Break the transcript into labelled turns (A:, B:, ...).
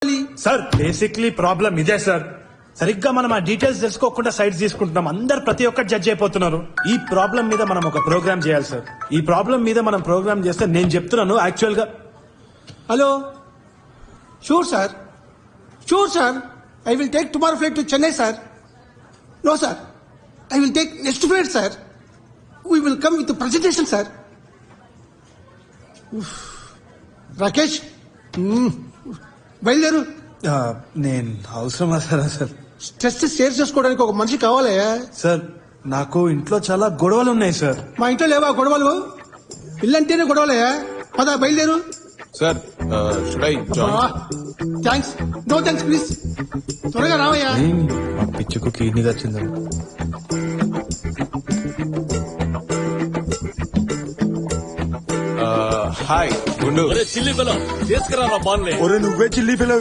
A: కావాలి?
B: Sir basically problem ఇదే sir. సరిగ్గా మనం ఆ డీటెయిల్స్ తెలుసుకోకుండా సైట్స్ తీసుకుంటున్నాం. అందరు ప్రతి ఒక్కటి జడ్జ్ అయిపోతున్నారు. ఈ ప్రాబ్లం మీద మనం ఒక ప్రోగ్రామ్ చేయాలి సార్. ఈ ప్రాబ్లం మీద మనం ప్రోగ్రామ్ చేస్తే నేను చెప్తున్నాను యాక్చువల్ గా.
A: Hello, sure sir, sure sir. I will take tomorrow flight to Chennai sir. No sir, I will take next flight sir. We will come with presentation sir. Rakesh, బయలుదేరు.
B: నేను అవసరమా సార్?
A: స్ట్రెస్ షేర్ చేసుకోవడానికి ఒక మనిషి కావాలి
B: సార్. నాకు ఇంట్లో చాలా గొడవలు ఉన్నాయి సార్.
A: మా ఇంట్లో లేవా గొడవలు? ఇల్లంటేనే గొడవలే. పద బయలుదేరు.
C: Sir
A: thanks, no thanks please. త్వరగా రావయ్యా.
B: మా పిచ్చుకు కిడ్నీ వచ్చింది.
C: హాయ్ గుండు.
D: చిల్లి పిల్ల తీసుకురా బాన్లే.
B: నువ్వే చిల్లి పిల్ల